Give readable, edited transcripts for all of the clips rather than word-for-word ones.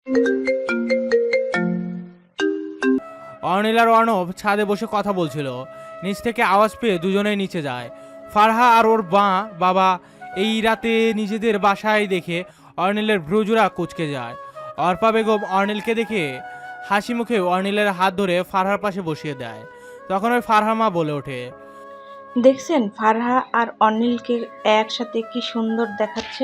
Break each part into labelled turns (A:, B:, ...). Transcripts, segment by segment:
A: অর্নিল আর অর্ণব ছাদে বসে কথা বলছিল। নিচ থেকে আওয়াজ পেয়ে দুজনেই নিচে যায়। ফারহা আর ওর বাবা এই রাতে নিজেদের বাসায় দেখে অর্নিলের ভ্রুজোড়া কুঁচকে যায়। অর্পা বেগম অর্নিলকে দেখে হাসি মুখে অর্নিলের হাত ধরে ফারহার পাশে বসিয়ে দেয়। তখন ওই ফারহা মা বলে ওঠে,
B: দেখছেন ফারহা আর অনিলকে একসাথে কি সুন্দর দেখাচ্ছে।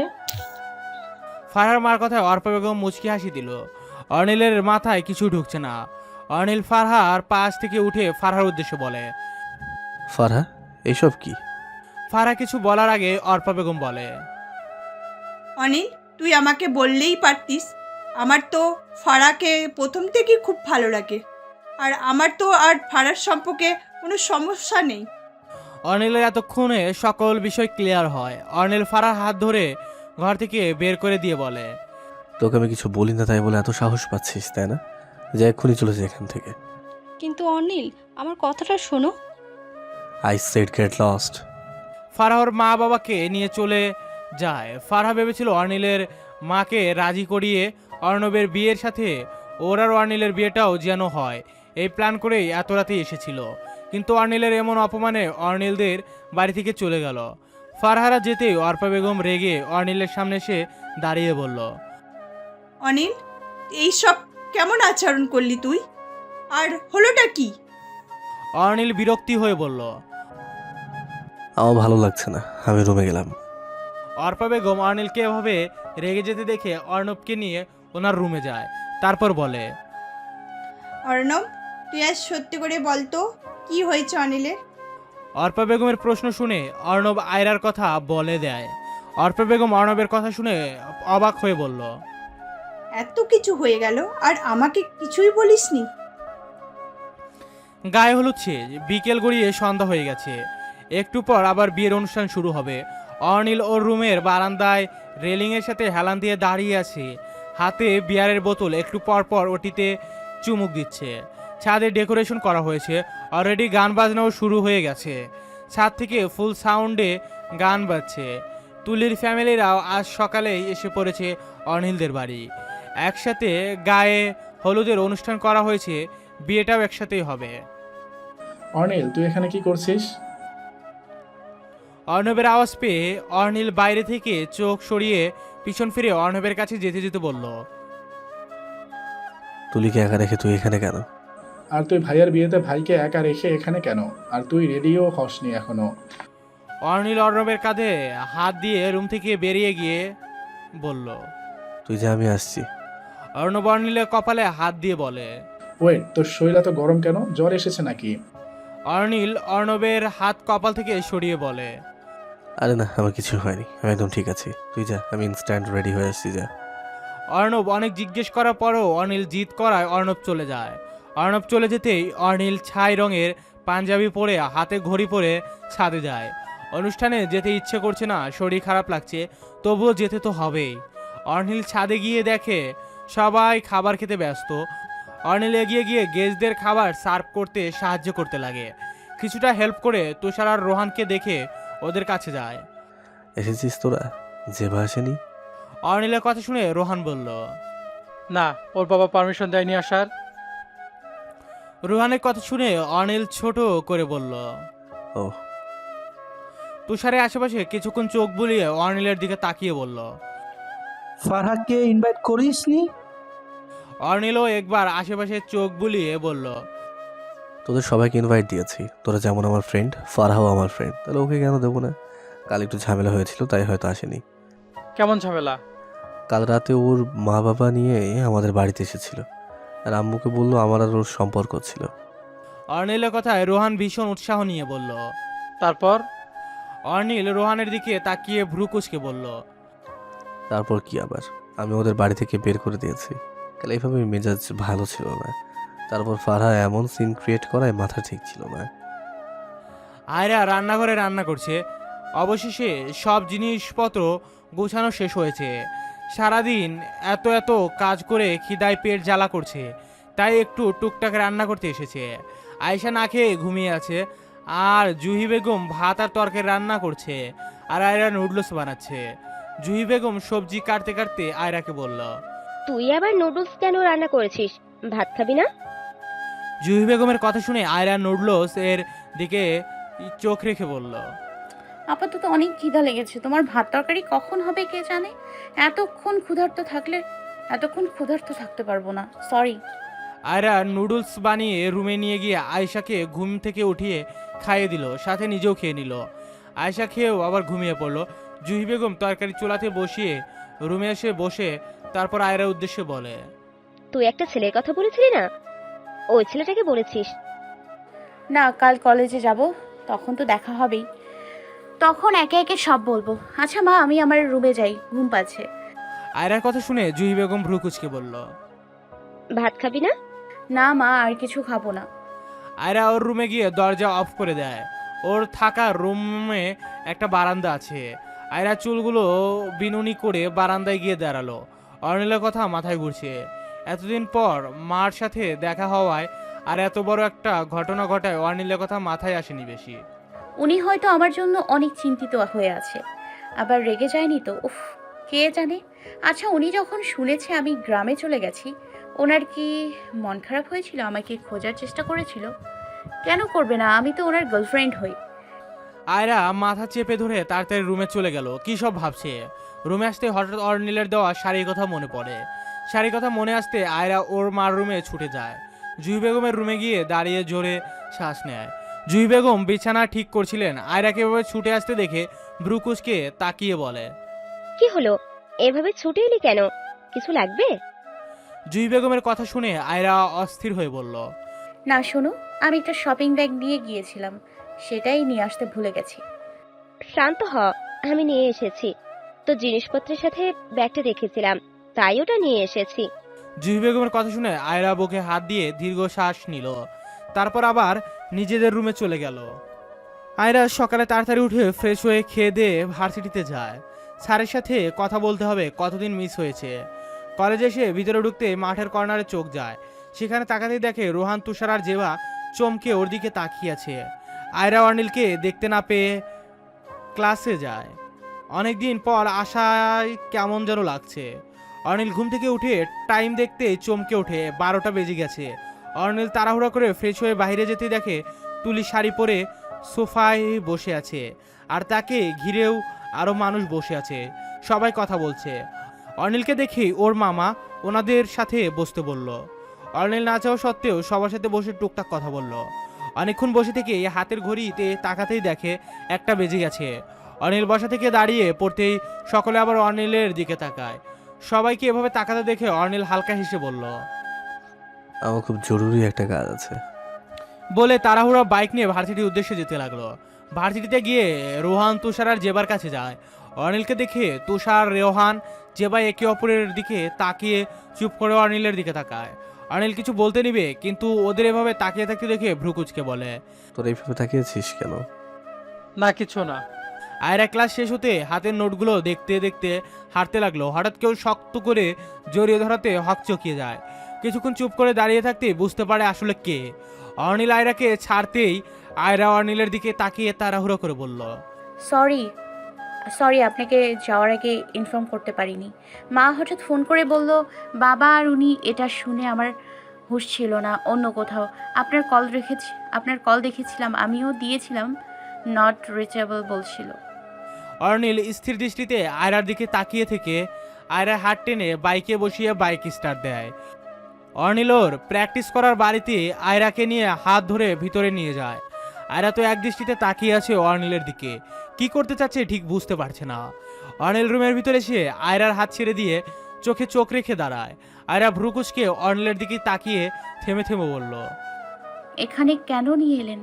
A: ফারহার মার কথায় অর্পা বেগম মুচকি হাসি দিল। অর্নিলের মাথায় কিছু ঢুকছে না। অর্নিল ফারহার পাশ থেকে উঠে ফারহার উদ্দেশ্যে বলে,
C: ফারহা, এইসব কি?
A: ফারহা কিছু বলার আগে অর্পা বেগম বলে,
D: অনিল, তুই আমাকে বললেই পারতিস। আমার তো ফারাকে প্রথম থেকেই খুব ভালো লাগে, আর আমার তো আর ফারার সম্পর্কে কোনো সমস্যা নেই।
A: অর্নিলের এতক্ষণে সকল বিষয় ক্লিয়ার হয়। অর্নিল ফারহার হাত ধরে ঘর থেকে বের করে দিয়ে বলে,
C: তোকে আমি কিছু বলি না তাই বলে এত সাহস পাচ্ছিস, তাই না? যে এক্ষুনি চলে যায় এখান থেকে।
E: কিন্তু অনিল, আমার কথাটা শোনো।
C: I said get lost.
A: ফারহার মা বাবাকে নিয়ে চলে যায়। ফারহা ভেবেছিল অর্নিলের মাকে রাজি করিয়ে অর্ণবের বিয়ের সাথে ওর আর অর্নিলের বিয়েটাও যেন হয়, এই প্ল্যান করেই এত রাতে এসেছিল। কিন্তু অর্নিলের এমন অপমানে অর্নিলদের বাড়ি থেকে চলে গেল। ফারহারা যেতেই অর্পা বেগম রেগে অর্নিলের সামনে এসে দাঁড়িয়ে বলল,
D: অনিল, এইসব কেমন আচরণ করলি তুই? আর হলোটা কি?
A: অর্নিল বিরক্তি হয়ে বলল।
C: আমার ভালো লাগছে না, আমি রুমে গেলাম।
A: অর্পা বেগম অর্নিলকে এভাবে রেগে যেতে দেখে অর্ণবকে নিয়ে ওনার রুমে যায়। তারপর বলে,
D: অর্ণব, তুই আজ সত্যি করে বলতো কি হয়েছে অনিলের?
A: অর্পা বেগমের প্রশ্ন শুনে অর্ণব আয়রার কথা বলে দেয়। অর্পা বেগম অর্ণবের কথা শুনে অবাক হয়ে বলল,
D: এত কিছু হয়ে গেল আর আমাকে কিছুই বলিসনি?
A: গায়ে হলুদ শেষ, বিকেল গড়িয়ে সন্ধ্যা হয়ে গেছে। একটু পর আবার বিয়ের অনুষ্ঠান শুরু হবে। অর্নিল ওর রুমের বারান্দায় রেলিংয়ের সাথে হেলান দিয়ে দাঁড়িয়ে আছে, হাতে বিয়ারের বোতল। একটু পর পর ওটিতে চুমুক দিচ্ছে। ছাদে ডেকোরেশন করা হয়েছে, অলরেডি গান বাজনাও শুরু হয়ে গেছে। ছাদ থেকে ফুল সাউন্ডে গান বাজছে। তুলির ফ্যামিলিরাও আজ সকালেই এসে পড়েছে অর্নিলদের বাড়ি। একসাথে গায়ে হলুদের অনুষ্ঠান করা হয়েছে, বিয়েটাও একসাথেই হবে।
F: অর্নিল, তুই এখানে কি করছিস?
A: অর্ণবের আওয়াজ পেয়ে অর্নিল বাইরে থেকে চোখ সরিয়ে পিছন ফিরে অর্ণবের কাছে যেতে যেতে বলল,
C: তুলিকে একা রেখে তুই এখানে কেন?
F: আর তুই ভাইয়ের বিয়েতে ভাইকে একা রেখে এখানে কেন? আর তুই রেডিও হসনি এখনো?
A: অর্নিল অর্ণবের কাঁধে হাত দিয়ে রুম থেকে বেরিয়ে গিয়ে বলল।
C: তুই যে, আমি আসছি।
A: অর্ণব অর্নিলের কপালে হাত দিয়ে বলে,
F: ওয়েট, তোর শরীর এত গরম কেন? জ্বর এসেছে নাকি?
A: অর্নিল অর্ণবের হাত কপাল থেকে সরিয়ে বলে,
C: আরে না, আমার কিছু হয়নি, আমি একদম ঠিক আছি। তুই যা, আমি ইনস্ট্যান্ট রেডি হয়ে আসছি, যা।
A: অর্ণব অনেক জিজ্ঞেস করার পরও অর্নিল জিদ করায় অর্ণব চলে যায়। অর্ণব চলে যেতেই অর্নিল ছাই রঙের পাঞ্জাবি পরে হাতে ঘড়ি পরে ছাদে যায়। অনুষ্ঠানে যেতে ইচ্ছে করছে না, শরীর খারাপ লাগছে, তবুও যেতে তো হবেই। অর্নিল ছাদে গিয়ে দেখে সবাই খাবার খেতে ব্যস্ত। অর্নিল এগিয়ে গিয়ে গেস্টদের খাবার সার্ভ করতে সাহায্য করতে লাগে। কিছুটা হেল্প করে তুষার আর রোহানকে দেখে ওদের কাছে যায়।
C: এসেছিস তোরা? জেবা আসেনি?
A: অর্নিলের কথা শুনে রোহান বলল,
G: না, ওর বাবা পারমিশন দেয়নি আসার।
A: রোহানের কথা শুনে অনিল ছোট করে বলল।
C: ও।
A: তুষারের আশেপাশে কিছুক্ষণ চোখ বুলিয়ে অর্নিলের দিকে তাকিয়ে বলল,
H: ফারহাকে ইনভাইট করিসনি?
A: অর্নিলও একবার আশেপাশে চোখ বুলিয়ে বলল,
C: তোদের সবাইকে ইনভাইট দিয়েছি, তোরা যেমন আমার ফ্রেন্ড, ফারহাও আমার ফ্রেন্ড, তাহলে ওকে কেন দেবো না? কাল একটু ঝামেলা হয়েছিল তাই হয়তো আসেনি।
G: কেমন ঝামেলা?
C: কাল রাতে ওর মা বাবা নিয়ে আমাদের বাড়িতে এসেছিল, আর আম্মুকে বললো আমার আর ওর সম্পর্ক ছিল।
A: অর্নিলের কথায় রোহান ভীষণ উৎসাহ নিয়ে বলল।
G: তারপর?
A: অর্নিল রোহানের দিকে তাকিয়ে ভ্রু কুচকে বলল,
C: তারপর কি আবার, আমি ওদের বাড়ি থেকে বের করে দিয়েছি। কাল এইভাবে মেজাজ ভালো ছিল না। তারপর ফারহা এমন সিন ক্রিয়েট করায় মাথা ঠিক ছিল না।
A: আয়রা রান্নাঘরে রান্না করছে। অবশেষে সব জিনিসপত্র গোছানো শেষ হয়েছে। সারাদিন এত এত কাজ করে খিদায় পেট জ্বালা করছে, তাই একটু টুকটাক রান্না করতে এসেছে। আয়েশা না খেয়ে ঘুমিয়ে আছে, আর জুহি বেগম ভাত আর তরকারি রান্না করছে, আর আয়রা নুডলস বানাচ্ছে। জুহি বেগম সবজি কাটতে কাটতে আয়রাকে বলল,
I: তুই আবার নুডলস কেন রান্না করেছিস? ভাত খাবি না?
A: জুহি বেগমের কথা শুনে আয়রা নুডলস এর দিকে চোখ রেখে বলল,
J: আপাতত অনেক খিদা লেগেছে। তোমার ভাত তরকারি কখন হবে কে জানে। এতক্ষণ ক্ষুধার্ত থাকতে পারবো না, সরি।
A: আয়রা নুডলস বানিয়ে রুমে নিয়ে গিয়ে আয়েশাকে ঘুম থেকে উঠিয়ে খাইয়ে দিল, সাথে নিজেও খেয়ে নিল। আয়েশা খেয়েও আবার ঘুমিয়ে পড়ল। জুহি বেগম তরকারি চুলাতে বসিয়ে রুমে এসে বসে তারপর আয়রার উদ্দেশ্যে বলে,
I: তুই একটা ছেলের কথা বলেছিলি না, ওই ছেলেটাকে বলেছিস?
J: না, কাল কলেজে যাব, তখন তো দেখা হবেই, তখন একে একে সব বলবো। আচ্ছা মা, আমি আমার রুমে যাই, ঘুম পাচ্ছে।
A: আয়রার কথা শুনে জুহি বেগম ভ্রু কুচকে বলল,
I: ভাত খাবি না?
J: না মা, আর কিছু খাবো না।
A: আয়রা ওর রুমে গিয়ে দরজা অফ করে দেয়। ওর থাকা রুমে একটা বারান্দা আছে। আয়রা চুলগুলো বিনুনি করে বারান্দায় গিয়ে দাঁড়ালো। অর্নিলের কথা মাথায় ঘুরছে। এতদিন পর মার সাথে দেখা হওয়ায় আর এত বড় একটা ঘটনা ঘটায় অর্নিলের কথা মাথায় আসেনি বেশি।
J: উনি হয়তো আমার জন্য অনেক চিন্তিত হয়ে আছে। আবার রেগে যায়নি তো? উফ, কে জানে। আচ্ছা, উনি যখন শুনেছে আমি গ্রামে চলে গেছি, ওনার কি মন খারাপ হয়েছিল? আমাকে খোঁজার চেষ্টা করেছিল? কেন করবে না, আমি তো ওনার গার্লফ্রেন্ড হই।
A: আয়রা মাথা চেপে ধরে তাড়াতাড়ি রুমে চলে গেল। কী সব ভাবছে। রুমে আসতে হঠাৎ অর্নিলের দেওয়া শাড়ির কথা মনে পড়ে। শাড়ির কথা মনে আসতে আয়রা ওর মার রুমে ছুটে যায়। জুহি বেগমের রুমে গিয়ে দাঁড়িয়ে জোরে শ্বাস নেয়। জুহি বেগম বিছানা ঠিক করছিলেন। আয়রাকে এভাবে ছুটে আসতে দেখে ব্রুকুচকে তাকিয়ে বলে,
I: কি হলো, এভাবে ছুটে এলি কেন? কিছু লাগবে?
A: জুহি বেগমের কথা শুনে আয়রা অস্থির হয়ে বলল,
J: না শোনো, আমি একটা শপিং ব্যাগ নিয়ে গিয়েছিলাম, সেটাই নিয়ে আসতে ভুলে গেছি।
I: শান্ত হ, আমি নিয়ে এসেছি। তো জিনিসপত্রের সাথে ব্যাগটা রেখেছিলাম, তাই ওটা নিয়ে এসেছি।
A: জুহি বেগমের কথা শুনে আয়রা বুকে হাত দিয়ে দীর্ঘ শ্বাস নিল। তারপর আবার নিজেদের রুমে চলে গেল। আয়রা সকালে তাড়াতাড়ি উঠে ফ্রেশ হয়ে খেয়ে দিয়ে ভার্সিটিতে যায়। স্যারের সাথে কথা বলতে হবে, কতদিন মিস হয়েছে। কলেজে এসে ভিতরে ঢুকতে মাঠের কর্নারে চোখ যায়। সেখানে তাকাতেই দেখে রোহান, তুষার আর জেবা চমকে ওর দিকে তাকিয়ে আছে। আয়রা অর্নিলকে দেখতে না পেয়ে ক্লাসে যায়। অনেকদিন পর আশায় কেমন যেন লাগছে। অর্নিল ঘুম থেকে উঠে টাইম দেখতে চমকে ওঠে, 12টা বেজে গেছে। অর্নিল তাড়াহুড়া করে ফ্রেশ হয়ে বাইরে যেতে দেখে তুলি শাড়ি পরে সোফায় বসে আছে, আর তাকে ঘিরেও আরও মানুষ বসে আছে, সবাই কথা বলছে। অর্নিলকে দেখেই ওর মামা ওনাদের সাথে বসতে বলল। অর্নিল না চাওয়া সত্ত্বেও সবার সাথে বসে টুকটাক কথা বলল। অনেকক্ষণ বসে থেকে হাতের ঘড়িতে তাকাতেই দেখে 1টা বেজে গেছে। অর্নিল বসা থেকে দাঁড়িয়ে পড়তেই সকলে আবার অর্নিলের দিকে তাকায়। সবাইকে এভাবে তাকাতে দেখে অর্নিল হালকা হেসে বলল,
C: আমার খুব জরুরি একটা কাজ আছে।
A: বলে তাড়াহুড়া বাইক নিয়ে ভার্সিটির উদ্দেশ্যে যেতে লাগলো। ভার্সিটিতে গিয়ে রোহান, তুষার আর জেবার কাছে যায়। অর্নিলকে দেখে তুষার, রোহান, জেবা একে অপরের দিকে তাকিয়ে চুপ করে অর্নিলের দিকে তাকায়। অর্নিল কিছু বলতে নিবে, কিন্তু ওদের এভাবে তাকিয়ে থাকতে দেখে ভ্রুকুচকে বলে,
C: তোর এইভাবে তাকিয়েছিস কেন?
G: না, কিছু না।
A: আয়রা ক্লাস শেষ হতে হাতের নোটগুলো দেখতে দেখতে হাঁটতে লাগলো। হঠাৎ কেউ শক্ত করে জড়িয়ে ধরাতে হকচকিয়ে যায়। কিছুক্ষণ চুপ করে দাঁড়িয়ে থাকতে বুঝতে পারে আসলে কে। অর্নিল আয়রাকে ছাড়তেই আয়রা অর্নিলের দিকে তাকিয়ে তাড়াহুড়ো করে বলল,
J: সরি, আপনাকে যাওয়ার আগে ইনফর্ম করতে পারিনি। মা হঠাৎ ফোন করে বলল বাবা, আর উনি এটা শুনে আমার হুঁশ ছিল না, অন্য কোথাও। আপনার কল দেখেছিলাম, আমিও দিয়েছিলাম, নট রিচেবল বলছিল।
A: অর্নিল স্থির দৃষ্টিতে আয়রার দিকে তাকিয়ে থেকে আয়রার হাত টেনে বাইকে বসিয়ে বাইক স্টার্ট দেয়। অর্নিল ওর প্র্যাকটিস করার বাড়িতে আয়রাকে নিয়ে হাত ধরে ভিতরে নিয়ে যায়। আয়রা তো এক দৃষ্টিতে তাকিয়ে আছে অর্নিলের দিকে, কি করতে চাচ্ছে ঠিক বুঝতে পারছে না। অর্নিল রুমের ভিতরে এসে আয়রার হাত ছেড়ে দিয়ে চোখে চোখ রেখে দাঁড়ায়। আয়রা ভ্রুকুচকে অর্নিলের দিকে তাকিয়ে থেমে থেমে বলল,
J: এখানে কেন নিয়ে এলেন?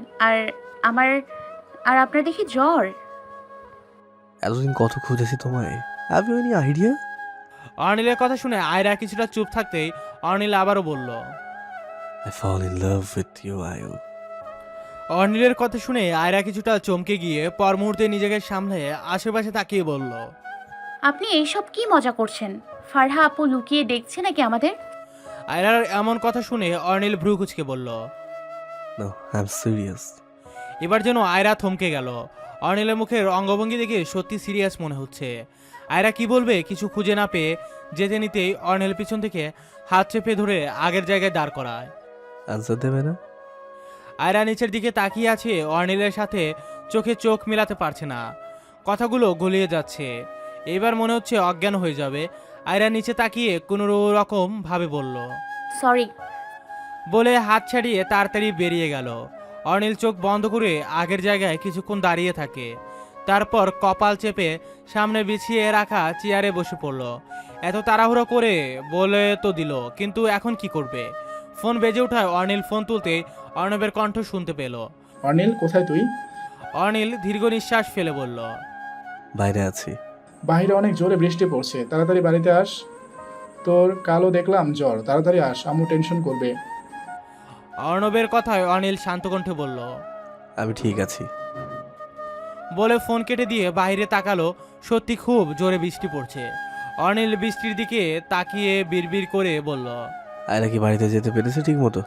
J: আর আপনার দেখি জ্বর।
C: এতদিন কত খুঁজেছি তোমায়। Have you any idea?
A: অর্নিলের কথা শুনে আয়রা কিছুটা চুপ থাকতেই অর্নিল আবারও বলল,
C: I fall in love with you Ayu.
A: অর্নিলের কথা শুনে আয়রা কিছুটা চমকে গিয়ে পর মুহূর্তে নিজেকে সামলে আশেপাশে তাকিয়ে বলল,
J: আপনি এইসব কি মজা করছেন? ফারহা আপু লুকিয়ে দেখছে নাকি আমাদের?
A: আয়রার এমন কথা শুনে অর্নিল ভ্রু কুচকে বলল,
C: নো, আই এম সিরিয়াস।
A: এবার যেন আয়রা থমকে গেল। অর্নিলের মুখের অঙ্গভঙ্গি দেখে সত্যি সিরিয়াস মনে হচ্ছে। আয়রা কি বলবে কিছু খুঁজে না পেয়ে যেতে নিতেই অর্নিল পিছন থেকে হাত চেপে ধরে আগের জায়গায় দাঁড় করায়।
C: আনসার দেবে না?
A: আয়রা নিচের দিকে তাকিয়ে আছে, অর্নিলের সাথে চোখে চোখ মিলাতে পারছে না, কথাগুলো গলিয়ে যাচ্ছে। এবার মনে হচ্ছে অজ্ঞান হয়ে যাবে। আয়রা নিচে তাকিয়ে কোনো রকম ভাবে বলল,
J: সরি।
A: বলে হাত ছাড়িয়ে তাড়াতাড়ি বেরিয়ে গেল। অর্নিল চোখ বন্ধ করে আগের জায়গায় কিছুক্ষণ দাঁড়িয়ে থাকে, তারপর কপাল চেপে সামনে বিছিয়ে রাখা চেয়ারে বসে পড়ল। এত তাড়াহুড়ো করে বলে তো দিল, কিন্তু এখন কি করবে? ফোন বেজে ওঠায় অর্নিল ফোন তুলতেই অর্ণবের কণ্ঠ শুনতে পেল।
F: অনিল, কোথায় তুই?
A: অর্নিল দীর্ঘ নিঃশ্বাস ফেলে বলল,
C: বাইরে আছি।
F: বাইরে অনেক জোরে বৃষ্টি পড়ছে, তাড়াতাড়ি বাড়িতে আস। তোর কালও দেখলাম জ্বর, তাড়াতাড়ি আস, আম্মু টেনশন করবে।
A: অর্ণবের কথায় অর্নিল শান্ত কণ্ঠে বলল।
C: আমি ঠিক আছি।
A: বলে ফোন কেটে দিয়ে বাইরে তাকালো। সত্যি খুব জোরে বৃষ্টি পড়ছে। অর্নিল বৃষ্টির দিকে তাকিয়ে বিড়বিড় করে বলল।
C: আয়রা কি বাড়িতে যেতে পেরেছে ঠিক মতো?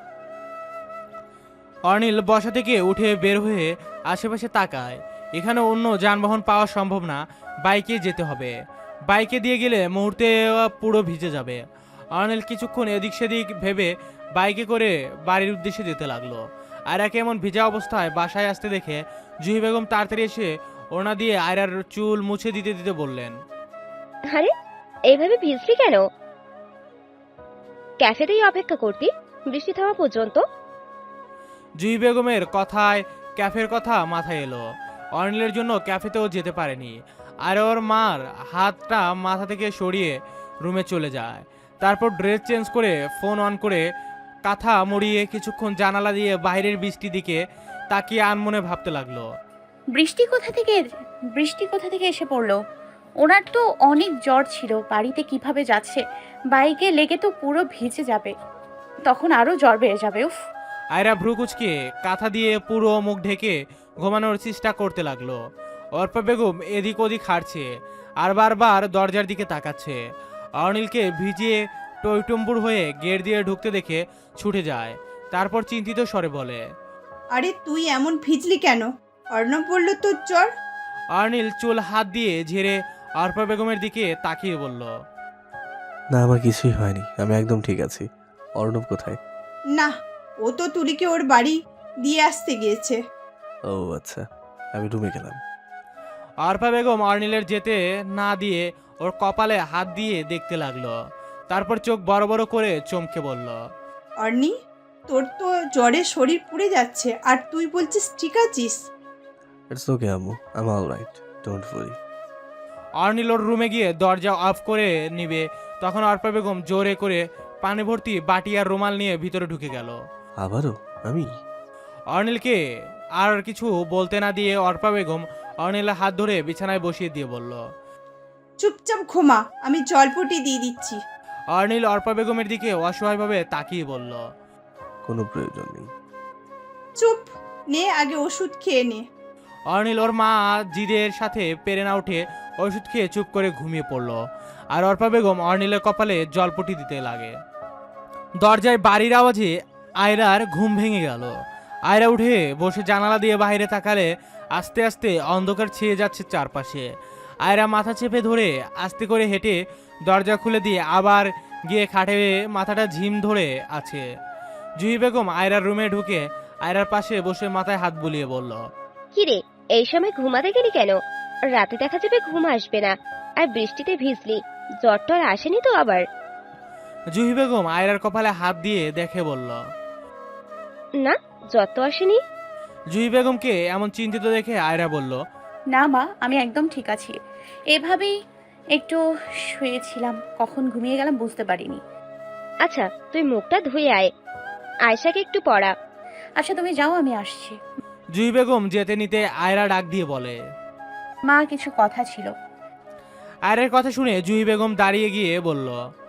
A: অর্নিল বসা থেকে উঠে বের হয়ে আশেপাশে তাকায়। এখানে অন্য যানবাহন পাওয়া সম্ভব না, বাইকে যেতে হবে। বাইকে দিয়ে গেলে মুহূর্তে পুরো ভিজে যাবে। অর্নিল কিছুক্ষণ এদিক সেদিক ভেবে বাইকে করে বাড়ির উদ্দেশ্যে যেতে লাগলো। আয়রাকে এমন ভিজা অবস্থায় বাসায় আসতে দেখে জুহি বেগম তাড়াতাড়ি এসে ওড়না দিয়ে আয়রার চুল মুছে দিতে দিতে বললেন,
I: আরে এইভাবে ভিজলি কেন? ক্যাফেতেই অপেক্ষা করতি বৃষ্টি থামা পর্যন্ত?
A: জুহি বেগমের কথায় ক্যাফের কথা মাথায় এলো। অর্নিলের জন্য ক্যাফেতেও যেতে পারেনি। আর ওর মার হাতটা মাথা থেকে সরিয়ে রুমে চলে যায়। তারপর ড্রেস চেঞ্জ করে ফোন অন করে কাঁথা মুড়িয়ে কিছুক্ষণ জানালা দিয়ে বাইরের বৃষ্টি দিকে তাকিয়ে আনমনে ভাবতে লাগলো।
J: বৃষ্টি কোথা থেকে এসে পড়লো? ওনার তো অনেক জ্বর ছিল, বাড়িতে কিভাবে যাচ্ছে? বাইকে লেগে তো পুরো ভিজে যাবে, তখন আরো জ্বর বেড়ে যাবে। উফ।
A: আয়রা ভ্রুকুচকে কাঁথা দিয়ে পুরো মুখ ঢেকে ঘুমানোর চেষ্টা করতে লাগলো। অর্পা বেগম এদিক ওদিক হাঁটছে আর বারবার দরজার দিকে তাকাচ্ছে। অর্নিলকে ভিজিয়ে টইটুম্বুর হয়ে গেট দিয়ে ঢুকতে দেখে ছুটে যায়। তারপর চিন্তিত স্বরে বলে,
D: আরে তুই এমন ভিজলি কেন? অর্ণব বলল তোর জ্বর।
A: অর্নিল চুল হাত দিয়ে ঝেড়ে অর্পা বেগমের দিকে তাকিয়ে বলল,
C: না, আমার কিছুই হয়নি, আমি একদম ঠিক আছি। অর্ণব কোথায়?
D: না, ও তো তুলিকে ওর বাড়ি দিয়ে আসতে গিয়েছে।
C: ও আচ্ছা, আমি রুমে গেলাম।
A: অর্পা বেগম অর্নিলের যেতে না দিয়ে ওর কপালে হাত দিয়ে দেখতে লাগলো। তারপর চোখ বড় বড় করে চমকে বলল,
D: অর্নি, তোর তো জ্বরে শরীর পুড়ে যাচ্ছে আর তুই বলছিস ঠিক আছিস?
C: ইটস ওকে আম্মু, I am alright, don't worry.
A: Arnil ওর রুমে গিয়ে দরজা অফ করে নিবে, তখন অর্পা বেগম জোরে করে পানি ভর্তি বাটি আর রুমাল নিয়ে ভিতরে ঢুকে গেল।
C: আবারও আমি?
A: অর্নিলকে আর কিছু বলতে না দিয়ে অর্পা বেগম অর্নিলের হাত ধরে বিছানায় বসিয়ে দিয়ে বলল,
D: চুপচাপ ঘুমা, আমি জলপটি দিয়ে দিচ্ছি।
A: অর্নিল অর্পা বেগমের দিকে অসহায়ভাবে তাকিয়ে বলল,
C: কোনো প্রয়োজন নেই।
D: চুপ, নে আগে ওষুধ খেয়ে নে।
A: অর্নিল ওর মা জিদের সাথে পেরে না উঠে ওষুধ খেয়ে চুপ করে ঘুমিয়ে পড়ল। আর অর্পা বেগম অর্নিলের কপালে জলপটি দিতে লাগে। দরজায় বাড়ির আওয়াজে আয়রার ঘুম ভেঙে গেল। আয়রা উঠে বসে জানালা দিয়ে বাইরে তাকালে আস্তে আস্তে অন্ধকার ছেয়ে যাচ্ছে চারপাশে। আয়রা মাথা চেপে ধরে আস্তে করে হেঁটে দরজা খুলে দিয়ে আবার গিয়ে খাটে মাথাটা ঝিম ধরে আছে। জুহি বেগম আয়রার রুমে ঢুকে আয়রার পাশে বসে মাথায় হাত বুলিয়ে বলল,
I: কিরে, এই সময় ঘুমাতে গেলি কেন? রাতে দেখা যাবে ঘুম আসবে না, আর বৃষ্টিতে ভিজলি, জ্বর টর আসেনি তো আবার?
A: জুহি বেগম আয়রার কপালে হাত দিয়ে দেখে বলল।
I: না, জ্বর তো আসেনি।
A: জুহি বেগমকে এমন চিন্তিত দেখে আয়রা বলল,
J: না মা, আমি একদম ঠিক আছি। এভাবেই একটু শুয়েছিলাম, কখন ঘুমিয়ে গেলাম বুঝতে পারিনি।
I: আচ্ছা, তুই মুখটা ধুয়ে আয়, আয়শাকে একটু পড়া।
J: আচ্ছা তুমি যাও, আমি আসছি।
A: জুহি বেগম যেতে নিতে আয়রা ডাক দিয়ে বলে,
J: মা, কিছু কথা ছিল।
A: আয়রার কথা শুনে জুহি বেগম দাঁড়িয়ে গিয়ে বলল,